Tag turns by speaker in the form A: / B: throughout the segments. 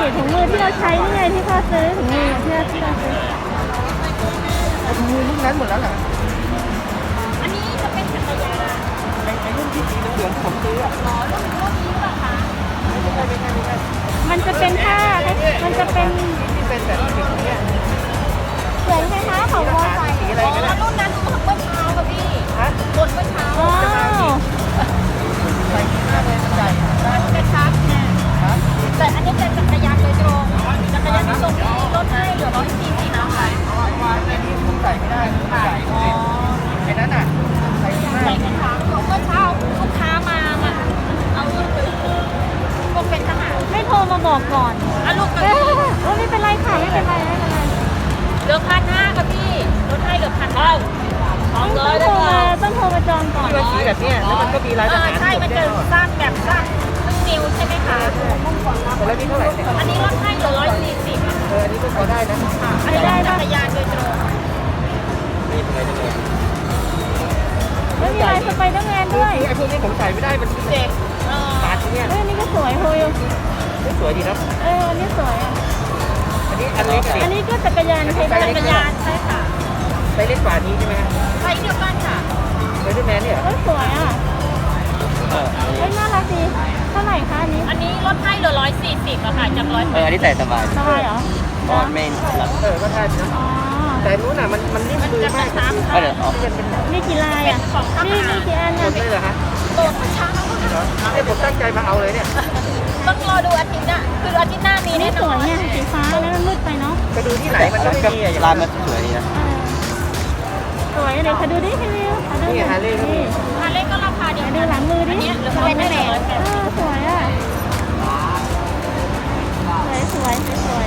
A: ถุงมือที่เราใช้นี่ไงที่พ่อซื้อถุงมือที่เราซื้อ
B: ถุงมือรุ่นนั้นหมดแล้วเหรอ
C: อันนี้จะเป็นจักรยาน
B: ไอ้รุ่นที่สีเหลืองผมซื้ออ่ะ
C: อ๋อรุ่นนี้หรือเปล่าคะ
B: ไม่ใช่
A: มันจะเป็นผ้ามันจะเป็น
B: ที่เป็นแบบสีเนี้ย
A: เหมือนคล้ายๆของมอไซค์
B: สีอะไร
C: อ๋อ
B: กันนะ
C: รุ่นนั้นหมดเมื่อเช้าค่ะพี่
B: ฮะ
C: หมดเมื่อเช้า
A: อ๋อ
B: ใส่หน้าเลยใส่
C: มันจะชักเนี่ย
B: ฮะ
C: แต่อันนี้เป็นจักรยานโดยตรงจักรยานโดยตรงที่ลดให้เหลือ140นะคะ
B: อันนี้ผมใส่ไม่ได้ผมใส่
C: อ๋อ
B: ไอ้นั้นอ่ะใส่หน้า
C: ใส่กระถางของเมื่อเช้าลูกค้ามาเอาลูกไปพวกเป็นทหาร
A: ไม่โทรมาบอกก่อน
C: อ่ะลูกก็
A: เออไม่เป็นไรค่ะไม่เป็นไรไม่เป็นไร
C: เหลือ1,500ค่ะพี่ลดให้เหลือ1,500ของเล
A: ต้อง
C: ย
A: โทรมาจองก่อน
B: ที่มันสีแบบเนี้ยแล้วมันก็มีลายทหาร
C: ใช่มันจะสั้นแบบสั้นซึ่งนิ้วใช่ไหมคะ
B: แล้วนี่เท่าไหร่เนี่ย
C: อันนี้ลดให้เหลือ140อ่ะ
B: อันนี้ก็พอได้นะ
C: อันนี้จักรยานโดยตรง
B: นี่เป็นไงจังเลย
A: แล้วมีลายสไปเดอร์แมนด้วย
B: ไอ้พวกนี้ผมใส่ไม่ได้มัน
C: เด็ก
B: ปาดเนี่ย
A: เอ้ยอันนี้ก็สวยโฮย
B: สวยดีนะ
A: เอออันนี้สวยอ่ะ
B: อันนี้อันเล็ก
A: อันนี้ก็จักรยานใช้ได้
C: จักรยานใช่ค่ะ
B: ไซส์เล็กกว่านี้ใช่ไหมฮะ
C: ไซส์เดียวกันค่ะ
B: ไซส์แมนเนี่ย
A: เอ้ยสวยอ่ะเอ้ยน่ารักดีเท่าไหร่คะอันนี้
C: อันนี้ลดให้เหลือ140อะค่ะจาก100
D: อันนี้ใส่สบาย
A: สบายเหรอ
D: ตอนเมนหลัง
B: ก็ใช่นะ
A: อ๋อ
B: แต่นู้นอ่ะมันนิ่ม
C: มัน
B: มือ
C: จะก
B: มา
C: ระ
B: ก
C: ชับ
D: ก็เดี๋ยวออก
B: ที่มันเป็นหนัง
A: นี่กี่ลายอ่ะนี่กี่อัน
B: หม
A: อ่ะ
B: ดเลยเหรอฮะ
C: โตเช้า
B: ไอ้ผมตั้งใจมาเอาเลยเนี่ย
C: ต้องรอดูอาทิตย์หน้าคืออาทิตย์หน้ามี
A: นี่
C: แน่น
A: ส
C: อ
A: วย
C: น
A: เนี่ยสีฟ้าแล้วมันมืดไปเนาะ
B: ไปดูที่ไหนมันก็ไม่มีอ่ะอย่าง
D: ลาย
B: นั้
D: มัน นสวยดีนะ
A: เออสวยเดี๋ยวขอดูดิพี่วิวขอดู
B: นี่ฮาร์เลย์ก็มี
C: ฮาเล่ก็ราคาเดียว
A: ดู
C: กัน
A: หลังมือดิ
C: อันนี้เหลือเป็นแหน
A: เออสวยอ่ะสวยสวย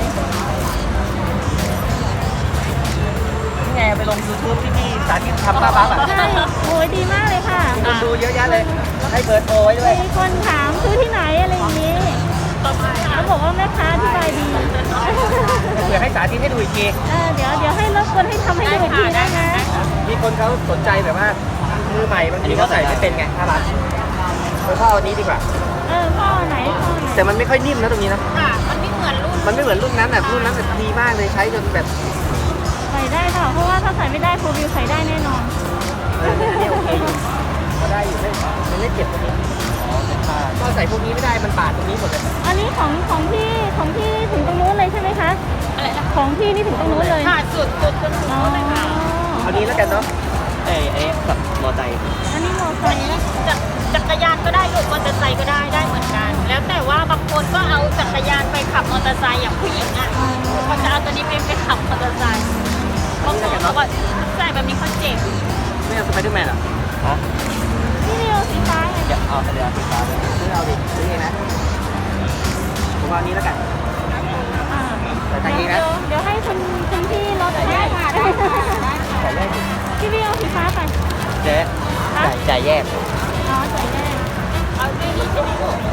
B: นี่ไงไปลง YouTube ที่นี่สาธิตทำป้าบั๊บอ่ะ
A: ใช่โอ้ยดีมากเลยค่ะ
B: คนดูเยอะแยะเลย ให้เบอร์โทรไว้ด้วย
A: มีคนถามซื้อที่ไหนอะไรอย่างนี้
C: ต่อไปค่ะ
A: เขาบอกว่าแม่ค้าอธิบายดี
B: เผื่อให้สาธิตให้ดูอีกที
A: เดี๋ยวให้รบกวนให้ทำให้ดูอีกทีได้ไหม
B: มีคนเขาสนใจแบบว่ามือใหม่บางทีเขาใส่ไม่เป็นไงน่ารักพ่อเอานี้ดีกว่า
A: พ่อไหนพ่อไหน
B: แต่มันไม่ค่อยนิ่มนะตรงนี้นะ
C: ค่ะมันไม่เหมือนรุ่น
B: มันไม่เหมือนรุ่นนั้นแบบรุ่นนั้นแบบดีมากเลยใช้จนแบบ
A: ใส่ได้ค่ะเพราะว่าถ้าใส่ไม่ได้โฟวิวใส่ได้แน่นอน
B: เนี่ยโอเคอยู่พอได้อยู่ไม่เจ็บตรงนี้ก็ใส่พวกนี้ไม่ได้มันบาดตรงนี้หมดเลย
A: อันนี้ของพี่ถึงตรงนู้นเลยใช่ไหมคะ
C: อะไรนะ
A: ของพี่นี่ถึงตรงนู้นเลย
C: ค่ะสุดจนถึง
A: อ๋อ
C: นู้นเลยค่ะ
B: เอานี้แล้วกันเนาะ
D: ไอ้กับมอไซค์
A: อันนี้มอไซ
C: อัน
A: ค์
C: นี้จักรยานก็ได้หรือมอเตอร์ไซค์ก็ได้เหมือนกัน แล้วแต่ว่าบางคนก็เอาจักรยานไปขับมอเตอร์ไซค์อย่างผู้หญิงอ่ะก็จะเอาตัวนี้ไปขับมอเตอร์ไซค์บางคนเขาก็ใส่แบบนี้เขาเจ็บ
B: ไม่เอาสไปเดอร์แมนหรอ
D: ฮะ
A: พี่วิวสีฟ้าไง
D: จะเอาเรือไฟฟ้าเลย
B: ซื้อเอาดิซื้อเองนะผมเอานี้แล้วกัน
A: อ่า
B: ใส่เองนะ
A: เดี๋ยวให้คุณพี่ลดให้ค่ะ
B: ใส่ได้
A: พี่วิวสีฟ้าไป
D: เจ๊จ่ายแยก
A: อ๋อใส่ได้
C: เอาด้วยนี่ใช่ไหมลูก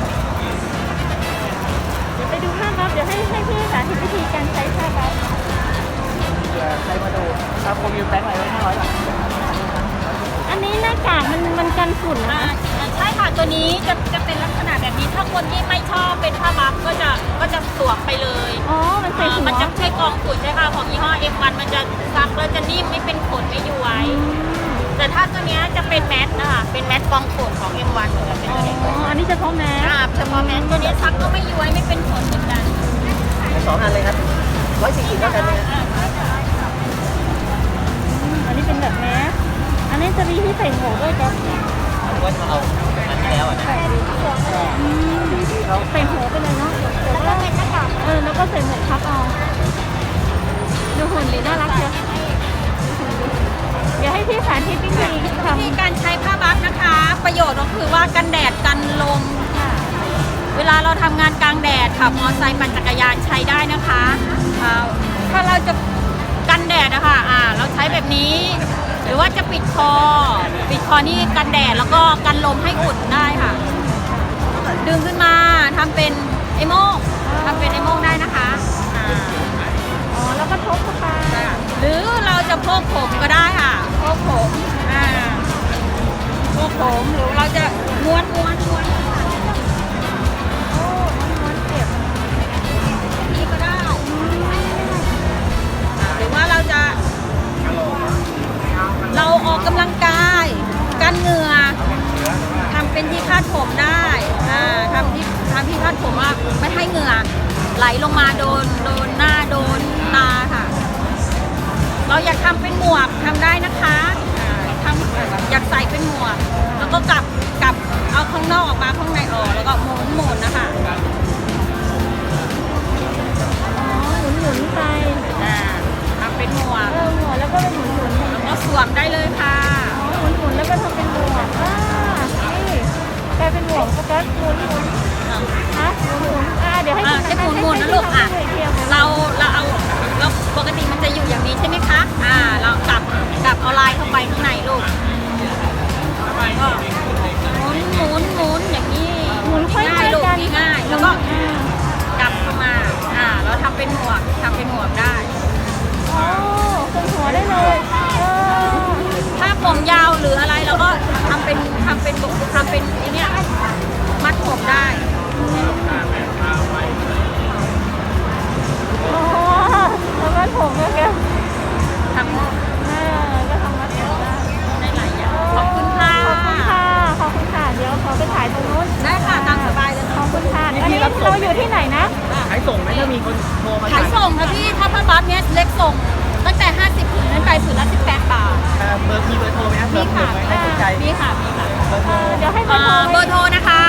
A: เดี๋ยวไปดูผ้าบัฟเดี๋ยวให้พี่สาธิตวิธีการใช้ผ้าบัฟ
B: ใส่มาดูทำโคมยูแบงค์อะไรไว้500 บาท
A: อันนี้หน้ากากมันกันฝุ่นนะ
C: ใช่ค่ะตัวนี้จะเป็นลักษณะแบบนี้ถ้าคนที่ไม่ชอบเป็นผ้าบัฟก็จะสวมไปเลย
A: อ๋อมันใส่หัว
C: มันจะช่วยกรองฝุ่นใช่ค่ะของยี่ห้อ F1 มันจะซักแล้วจะนิ่มไม่เป็นขนไม่ย้วยแต่ถ้าตัวเนี้ยจะเป็นแมสนะคะเป็นแมสกรองฝุ่นของ M1 เหมือนกันเป็นตัวนี้
A: อ๋ออันนี้เฉพาะแมส
C: เฉพาะแมสตัวนี้ซักก็ไม่ย้วยไม่เป็นขนเหมือนกัน
B: 2 อันเลยครับ140เท่ากันเลยนะ
A: อันนี้เป็นแบบแมสอันนี้จะมีที่ใส่หมวกด้วยจ้ะ
D: ว่าเอาอันที่แล้วอ่ะนะ
A: ใส่หัวไปเลยเนาะแล้วก็เป็นหน้ากากแล้วก็ใส่หมวกทับเอาดูหุ่นดีน่ารักเชียวเดี๋ยวให้พี่สาธิตวิธีทำ
C: วิธีการใช้ผ้าบัฟนะคะ ประโยชน์ก็คือว่ากันแดดกันลม
A: ค่ะ
C: เวลาเราทำงานกลางแดดขับมอเตอร์ไซค์ปั่นจักรยานใช้ได้นะคะถ้าเราจะกันแดดนะคะเราใช้แบบนี้ หรือว่าจะปิดคอนี่กันแดดแล้วก็กันลมให้อุ่นได้ค่ะ ดึงขึ้นมาทำเป็นไอโม่งได้นะคะ
A: อ๋อแล้วก็ทบเข้าไป
C: หรือเราจะโพกผมก็ได้ค่ะโพกผมโพกผมหรือเราจะม้วน
A: โอ้ม้วนเก็บ
C: เหงื่อไหลลงมาโดนหน้าโดนตาค่ะ เราอยากทำเป็นหมวกทำได้นะคะทำอยากใส่เป็นหมวก แล้วก็กลับเอาข้างนอกออกมาข้างในออกแล้วก็หมุนนะคะ
A: อ๋อหมุนไป
C: ทำเป็นหมวก
A: หมวกแล้วก็เป็นหมุน
C: แล้วก็สวมได้เลยค่ะ
A: อ๋อหมุนแล้วก็ทำเป็นหมวกนี่กลายเป็นหมวกโฟกัสหมุนฮะหมุนเดี๋ยวให้
C: ให้หมุนนะลูกเราเอาเราปกติมันจะอยู่อย่างนี้ใช่ไหมคะเรากลับเอาลายเข้าไปข้างในลูกก็หมุนอย่างนี้
A: หมุนค่อย
C: ง่าย
A: ๆ
C: ลูก
A: กัน
C: ง่ายแล้วก็กลับเข้ามาเราทำเป็นหมวกได้
A: อ๋อเป็นหัวได้เลย
C: ถ้าผมยาวหรืออะไรเราก็ทำเป็นไอ้เนี่ยมัดผมได้
A: อ๋อแล้วก็ผมก็แก
C: ทำ
A: ก็ทำมาได้
C: ได้หลายอย่างขอบคุณค่ะ
A: ขอบคุณค่ะเดี๋ยวขอไปถ่ายตรงนู้น
C: ได้ค่ะตามสบายเลย
A: ขอบคุณค่ะอันนี้เราอยู่ที่ไหนนะ
B: ขายส่งไหมถ้ามีคนโทรมา
C: ขายส่งนะพี่ถ้าผ้าบัฟเนี้ยเล็กส่งตั้งแต่50ผืนนั้นไปผืนละ18 บาท
B: เบอร์มีเบอร์โทรไหมครับเบอ
C: มี
B: ร์
C: ค่ะ
B: ไหมให้สนใจ
C: มีค่ะ
B: เบอร์โทร
A: เดี๋ยวให้เบอร์โทร
C: เบอร์โทรนะคะ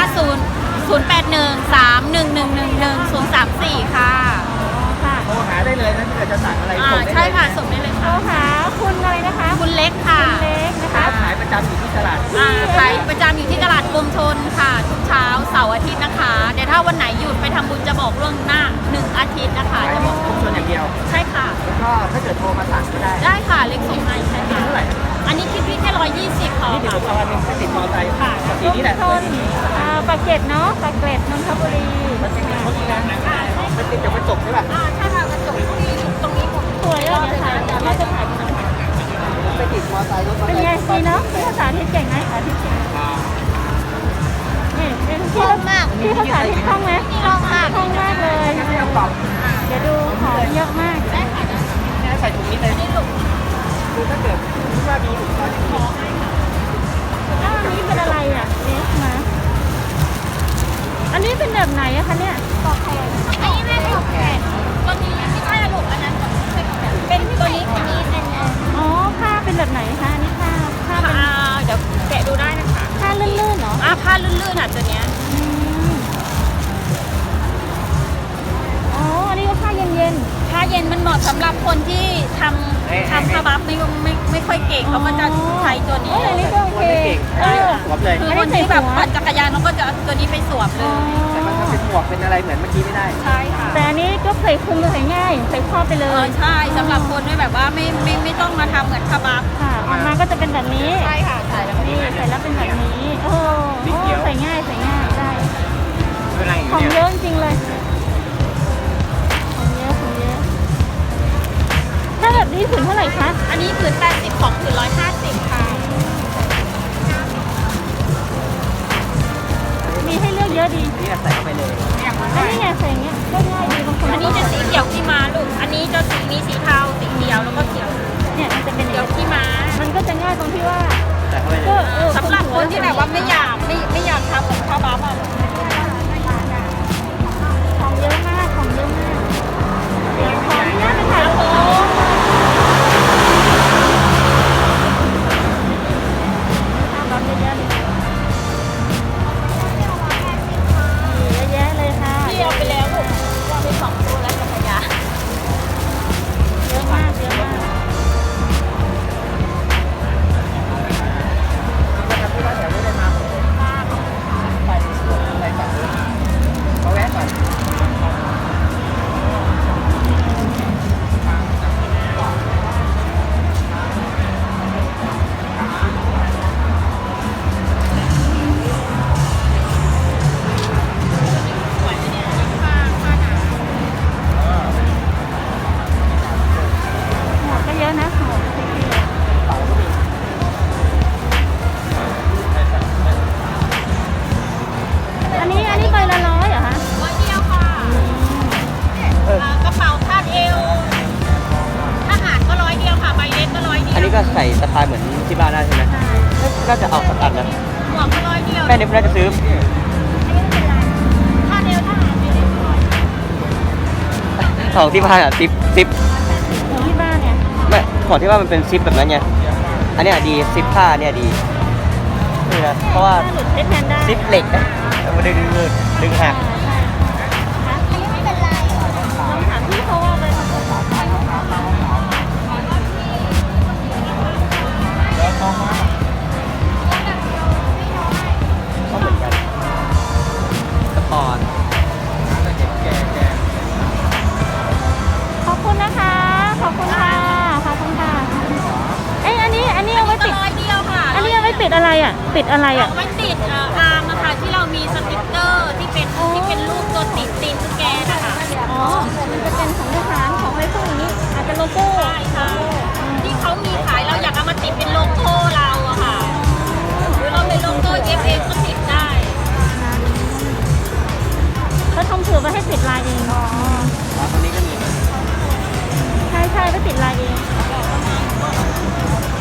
C: 08131111034ค่ะ
A: ค่ะ
B: โทรหาได้เลยนะถ้าเกิดจะสั่งอะไรส่งได้เลย
C: ใช่ค่ะส่งได้เลย
A: โทร
C: ค่ะ
A: หาคุณอะไรนะคะ
C: คุณเล็กค่ะ
A: เล็กนะคะ
B: ขายประจำอยู่ที่ตลาด
C: ขายประจำอยู่ที่ตลาดกรมชนค่ะทุกเช้าเสาร์อาทิตย์นะคะเดี๋ยวถ้าวันไหนหยุดไปทำบุญจะบอกล่วงหน้า1 อาทิตย์นะคะ
B: ขาย
C: จะ
B: ข
C: บ
B: อ
C: อง ก
B: ชุมชนอย่างเดียว
C: ใช่ค่ะ
B: แล้วก็ถ้าเกิดโทรมาสั่งก็ได้
C: ได้ค่ะเล็กส่งให้ใช่ค่ะ
B: เท่าไหร่
C: อันนี้คิดพี่แค่120พอ
B: นี่เดี๋ยวผมเอาอันหนึงไปติดมอเตอร์ไซค์
C: ค่ะ
B: สีนี้แหละ
A: ชนปากเกร็ดเนาะปากเกร็ดนนทบุรี
B: มันจะมีเขาอีกนะมันติดกับกระจกใช่ป่ะ
C: ใช่ค่ะกระจกตรงนี้ผม
A: สวยอ่ะเดี๋ยวถ่ายเราจะถ่าย
B: ไปติดมอเตอร์ไซค์รถมอเตอ
A: เป็น
B: ร์ไซ
A: ไง
B: ค์
A: ดีเนาะพี่ภาษาที่เก่งไหมสาธิตเก่งนี่เป็นพี่ภาษาที่คล่องไหมคล่องมากเลย
B: ไม่ต้องตอบ
A: เดี๋ยวดูของเยอะมาก
B: เนี่ยใส่ถุงนี้เลยคือถ้าเกิดคิดว่ามีถุงก็จะมี
A: อันนี้เป็นอะไรอ่ะเนสมาอันนี้เป็นแบบไหนอะคะเนี่ยปอกแขน
C: อันนี้ไม่เป็นแขนตัวนี้ไม่ใช่ลูกอันนั้นเป็นตัวนี้เป็น
A: อ๋อผ้าเป็นแบบไหนคะอันนี้ผ้าเป็น
C: เดี๋ยวแกะดูได้นะคะ
A: ผ้าลื่นๆเหรอ
C: ผ้าลื่นๆตัวเนี้ย
A: อ๋ออันนี้ก็ผ้าเย็น
C: ผ้าเย็นมันเหมาะสำหรับคนที่ทำผ้าบัฟไม่ค่อยเก่งเขาก็จะใช้ตัวนี้
A: อันนี้ก็โอเค
B: สวมเลย
C: คือคนที่แบบปั่นจักรยานเขาก็จะเอาตัวนี้ไปสวมเลย
B: แต่มันถ้าเป็นหมวกเป็นอะไรเหมือนเมื่อกี้ไม่ได้
C: ใช่ค่ะ
A: แต่อันนี้ก็ใส่คลุมใส่ง่ายใส่ครอบไปเลย
C: ใช่สำหรับคนที่แบบว่าไม่ต้องมาทำเหมือนผ้าบัฟ
A: ค่ะออกมาก็จะเป็นแบบนี้
C: ใช่ค่ะใช่แล้ว
A: นี่ใส่แล้วเป็นแบบนี้โอ้ใส่ง่ายได้
B: เป็นอะไรอ
A: ขอยู่ ง
B: เนี่ย
A: เยอะจริงเลยของเยอะถ้าแบบนี้ถึงเท่าไหร่คะ
C: อันนี้ผืน80ของผืน150ค่ะ
A: มีให้เลือกเยอะดี
B: นี่ใส่เข้าไปเลย
A: อันนี้ไงใส่อย่างเงี้ยก็ง่ายดีบางคน
C: อันนี้จะสีเขียวที่มาลูกอันนี้จะมีสีเทาสีเขียวแล้วก็เขียว
A: เนี่ยมันจะเป็น
C: เขียวที่มา
A: มันก็จะง่ายตรงที่ว่า
B: ใส่เข้าไปเล
A: ก็
B: ย
C: สำหรับคนที่แบบว่าไม่อยากทำเหมือนผ้าบัฟอ่ะ
A: ของเยอะมากของเยอะมากเดี๋ยวขออนุญาตไปถ่ายรูปเอาแบบเยอะๆเลยเยอะแยะเลยค่ะ
C: พี่เอาไปแล้วลูกเอาไป2ตัวแล้วจักรยาน
A: เยอะมากเยอะมาก
B: ก็ทำที่บ้านแถวนี้ได้มาไปฝั่งนู้นมาแวะก่อน
A: หมวกก็เยอะนะหมวกอันนี้ใบละ100เหรอคะ
C: 100เดียวค่ะกระเป๋าคาดเอวทหารก็100เดียวค่ะใบเล็กก็100เดียว
D: อันนี้ก็ใส่สะพายเหมือนที่บ้านได้ใช่ไหม
A: ใช่
D: ก็จะเอาสักอันนะ
C: หมวกก็100เดียว
D: แม่นี่น่าจะซื้อ
C: คาดเอวทหารไม่ได้100
D: ของที่บ้านอะซิป
A: ของที่บ้านเนี่ย
D: ไม่ของที่บ้านมันเป็นซิปแบบนั้นไงอันเนี้ยดีซิปผ้าเนี่ยดีนี่นะเพราะว่า
A: ถ้าหลุดใช้แทนได้
D: ซิปเหล็กนะเอามาดึงหัก
A: ใช่ค่ะอันนี้ไม่เป็นไรลองถามพี่เขาว่าไปทำต่อไป
D: ก็เหมือนกันสปอร์ต
A: ขอบคุณนะคะ ขอบคุณค่ะ ขอบคุณค่ะ เอ้ยอันนี้เอาไว้
C: ก็
A: ติด
C: ร้อยเดียวค่ะ
A: อันนี้เอาไว้ติดอะไรอ่ะ ติดอะไร
C: เอา
A: อ่ะ
C: ไว้ติดอาร์มอะค่ะที่เรามีสติ๊กเกอร์ที่เป็นรูปตัวติดตีนสแกนนะคะ
A: อ๋อ มันจะเป็นของทหารของอะไรพวกนี้ อาจจะโลโก้
C: ใช่ค่ะที่เขามีขายเราอยากเอามาติดเป็นโลโก้เราอะค่ะหรือเราเป็นโลโก้เอฟเอก็ติดได้
A: เขาทำเผื่อไว้ให้ติดลายเอง อ๋อ
D: ตรงนี้ก็มี
A: ใช่ใช่ไว้ติดลายเอง